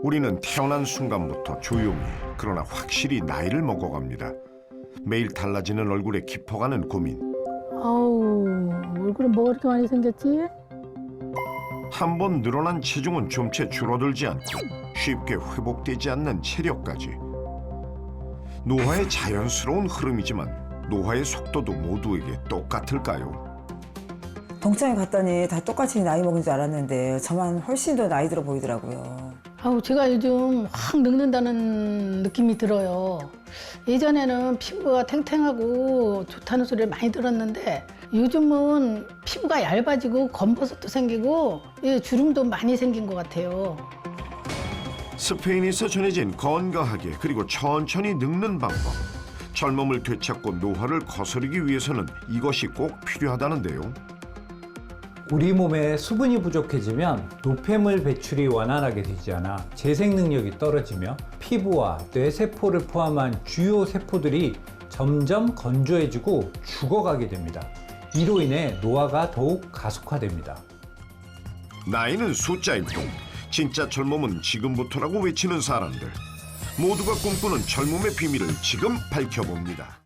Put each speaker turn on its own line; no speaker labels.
우리는 태어난 순간부터 조용히 그러나 확실히 나이를 먹어갑니다. 매일 달라지는 얼굴에 깊어가는 고민.
아우, 얼굴에 뭐가 이렇게 많이 생겼지?
한 번 늘어난 체중은 좀채 줄어들지 않고 쉽게 회복되지 않는 체력까지. 노화의 자연스러운 흐름이지만 노화의 속도도 모두에게 똑같을까요?
동창회 갔더니 다 똑같이 나이 먹은 줄 알았는데 저만 훨씬 더 나이 들어 보이더라고요.
아우, 제가 요즘 확 늙는다는 느낌이 들어요. 예전에는 피부가 탱탱하고 좋다는 소리를 많이 들었는데 요즘은 피부가 얇아지고 검버섯도 생기고 주름도 많이 생긴 것 같아요.
스페인에서 전해진 건강하게 그리고 천천히 늙는 방법. 젊음을 되찾고 노화를 거스르기 위해서는 이것이 꼭 필요하다는데요.
우리 몸에 수분이 부족해지면 노폐물 배출이 원활하게 되지 않아 재생 능력이 떨어지며 피부와 뇌세포를 포함한 주요 세포들이 점점 건조해지고 죽어가게 됩니다. 이로 인해 노화가 더욱 가속화됩니다.
나이는 숫자일 뿐 진짜 젊음은 지금부터라고 외치는 사람들. 모두가 꿈꾸는 젊음의 비밀을 지금 밝혀봅니다.